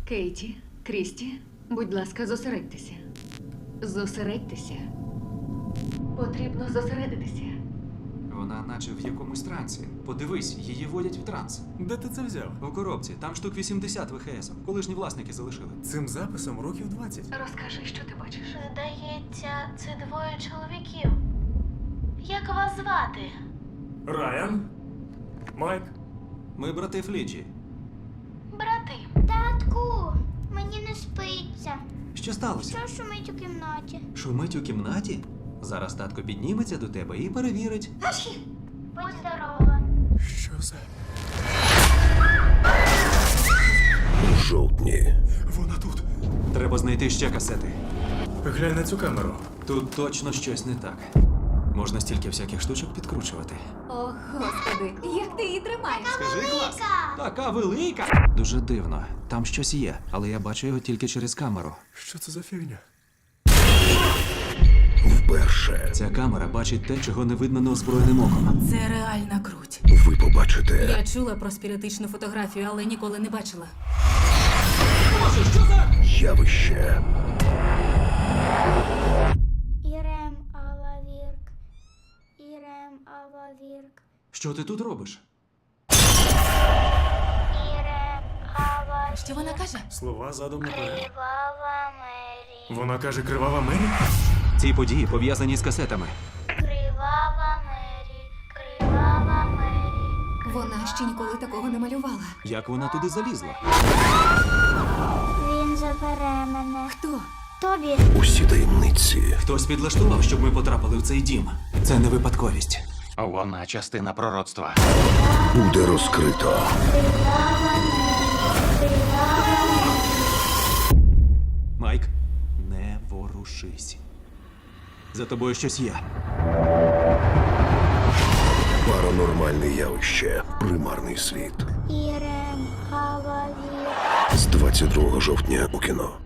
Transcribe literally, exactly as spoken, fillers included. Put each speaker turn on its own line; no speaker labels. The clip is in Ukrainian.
Кейті, Крісті, будь ласка, зосередьтеся. Зосередьтеся. Потрібно зосередитися.
Вона наче в якомусь трансі. Подивись, її водять в транс.
Де ти це взяв?
У коробці, там штук вісімдесят В Х С. Колишні власники залишили.
Цим записом років двадцять.
Розкажи, що ти бачиш.
Здається, це двоє чоловіків. Як вас звати?
Райан? Майк?
Ми брати Фліджі.
Брати.
Татку, мені не спиться.
Що сталося?
Що шумить у кімнаті?
Шумить у кімнаті? Зараз татко підніметься до тебе і перевірить.
Будь здорова.
Що за...
У жовтні
Вона тут.
Треба знайти ще касети.
Глянь на цю камеру.
Тут точно щось не так. Можна стільки всяких штучок підкручувати.
О, господи, як ти її тримаєш?
Скажи, клас! Така велика! Дуже дивно. Там щось є, але я бачу його тільки через камеру.
Що це за фігня?
вперше
Ця камера бачить те, чого не видно неозброєним оком.
Це реальна круть.
ви побачите
Я чула про спіритичну фотографію, але ніколи не бачила.
явище,
Ірем Алавірк. Ірем Алавірк.
Що ти тут робиш?
Ірем Алавірк.
Що вона каже?
Слова задом наперед.
Кривава Мері.
Вона каже кривава Мері?
Ці події пов'язані з касетами.
Кривава Мері. Кривава Мері.
Вона ще ніколи такого не малювала.
Як вона туди залізла?
Він забере мене.
Хто?
Тобі.
усі таємниці,
Хтось підлаштував, щоб ми потрапили в цей дім. Це не випадковість.
Вона частина пророцтва.
буде розкрито.
Майк, не ворушись. За тобою щось є.
Паранормальне явище, примарний світ.
Ірем Алавірк.
З двадцять другого жовтня у кіно.